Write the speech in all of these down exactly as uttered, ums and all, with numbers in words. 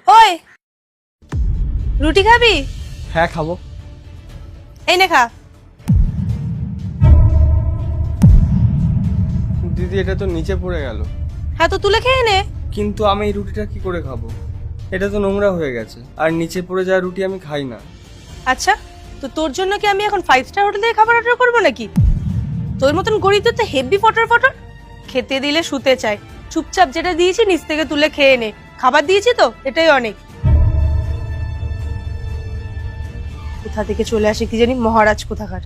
ওই রুটি খাবি? হ্যাঁ খাবো। এই নে খা। দিদি এটা তো নিচে পড়ে গেল। হ্যাঁ তো তুলে খেয়ে নে। কিন্তু আমি এই রুটিটা কি করে খাবো? এটা তো নোংরা হয়ে গেছে, আর নিচে পড়ে যাওয়া রুটি আমি খাই না। আচ্ছা, তো তোর জন্য কি আমি এখন ফাইভ স্টার হোটেল থেকে খাবার অর্ডার করবো নাকি? তোর মতন গরিবদের তো হেভি ফটর ফটর, খেতে দিলে শুতে চাই। চুপচাপ যেটা দিয়েছি নিচ থেকে তুলে খেয়ে নে। খাবার দিয়েছি তো, এটাই অনেক। কোথা থেকে চলে আসে কি জানি, মহারাজ কোথাকার।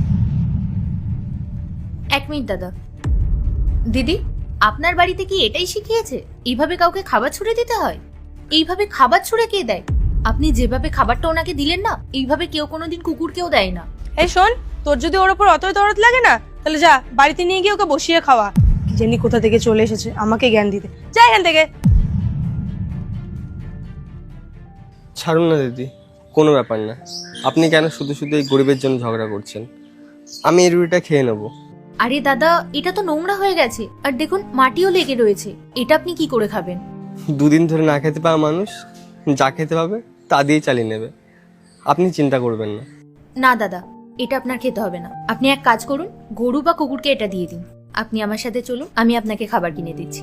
এক মিনিট দাদা। দিদি, আপনার বাড়িতে কি এটাই শিখিয়েছে এইভাবে কাউকে খাবার ছুঁড়ে দিতে হয়? এইভাবে খাবার ছুঁড়ে কে দেয়? আপনি যেভাবে খাবারটা ওনাকে দিলেন না, এইভাবে কেউ কোনোদিন কুকুরকেও দেয় না। এই শোন, তোর যদি ওর উপর অতই দরদ লাগে না, তাহলে যা বাড়িতে নিয়ে গিয়ে ওকে বসিয়ে খাওয়া। কি জানি কোথা থেকে চলে এসেছে আমাকে জ্ঞান দিতে। যা এখান থেকে। ছাড়ুন না দিদি, কোনো ব্যাপার না। আপনি কেন শুধু শুধু এই গরিবের জন্য ঝগড়া করছেন? আমি এই রুটিটা খেয়ে নেবো। আরে দাদা, এটা তো নোংরা হয়ে গেছে, আর দেখুন মাটিও লেগে রয়েছে। এটা আপনি কি করে খাবেন? দুদিন ধরে না খেতে পাওয়া মানুষ যা খেতে পাবে তা দিয়েই চালিয়ে নেবে। আপনি চিন্তা করবেন না। না দাদা, এটা আপনার খেতে হবে না। আপনি এক কাজ করুন, গরু বা কুকুরকে এটা দিয়ে দিন। আপনি আমার সাথে চলুন, আমি আপনাকে খাবার কিনে দিচ্ছি।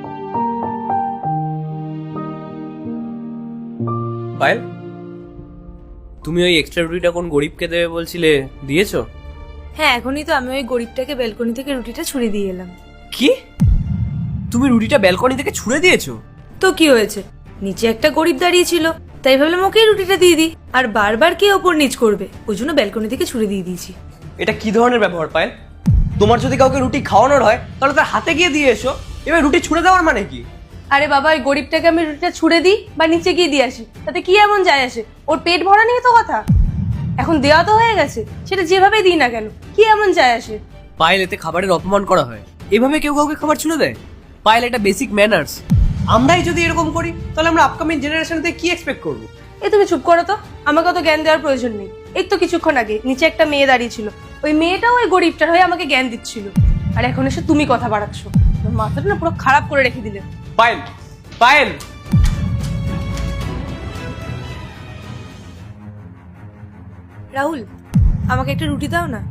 পায়েল, তুমি ওই এক্সট্রা রুটিটা কোন গরিবকে দেবে বলছিলে, দিয়েছো? হ্যাঁ, এখনই তো আমি ওই গরিবটাকে ব্যালকনি থেকে রুটিটা ছুঁড়ে দিয়ে এলাম। কি? তুমি রুটিটা ব্যালকনি থেকে ছুঁড়ে দিয়েছো? তো কি হয়েছে, নিচে একটা গরিব দাঁড়িয়ে ছিল, তাই ভাবলাম ওকেই রুটিটা দিয়ে দিই। আর বারবার কে ওপর নিচ করবে, ওই জন্য ব্যালকনি থেকে ছুঁড়ে দিয়ে দিয়েছি। এটা কি ধরনের ব্যবহার পায়েল? তোমার যদি কাউকে রুটি খাওয়ানোর হয় তাহলে তার হাতে গিয়ে দিয়ে এসো। এবার রুটি ছুঁড়ে দেওয়ার মানে কি? আরে বাবা, ওই গরিবটাকে আমি রুটিটা ছুঁড়ে দিই বা নিচে গিয়ে দিয়ে আসি, তাতে কি এমন যায় আসে? ওর পেট ভরা নিয়ে তো কথা। এখন দেওয়া তো হয়ে গেছে, সেটা যেভাবে দিই না কেন, কি এমন যায় আসে? পায়েল, এতে খাবারের অপমান করা হয়। এভাবে কেউ কাউকে খাবার ছুঁড়ে দেয়? পায়েল, এটা বেসিক ম্যানার্স। আমরাই যদি এরকম করি তাহলে আমরা আপকামিং জেনারেশন থেকে কি এক্সপেক্ট করবো? এই তুমি চুপ করো তো, আমাকে অত জ্ঞান দেওয়ার প্রয়োজন নেই। এই তো কিছুক্ষণ আগে নিচে একটা মেয়ে দাঁড়িয়ে ছিল, ওই মেয়েটাও ওই গরিবটার হয়ে আমাকে জ্ঞান দিচ্ছিল, আর এখন এসে তুমি কথা বাড়াচ্ছ। তোমার মাথাটা না পুরো খারাপ করে রেখে দিলে। পায়েল, পায়েল, রাহুল, আমাকে একটা রুটি দাও না।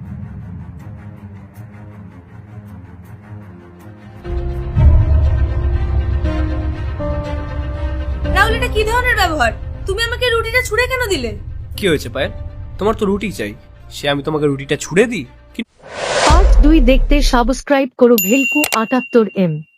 রাহুল, এটা কি ধরনের ব্যবহার? তুমি আমাকে রুটিটা ছুঁড়ে কেন দিলে? কি হয়েছে পায়েল? তোমার তো রুটি চাই, সে আমি তোমাকে রুটিটা ছুঁড়ে দিই? পার্ট দুই দেখতে সাবস্ক্রাইব করো ভেলকু আটাত্তর এম।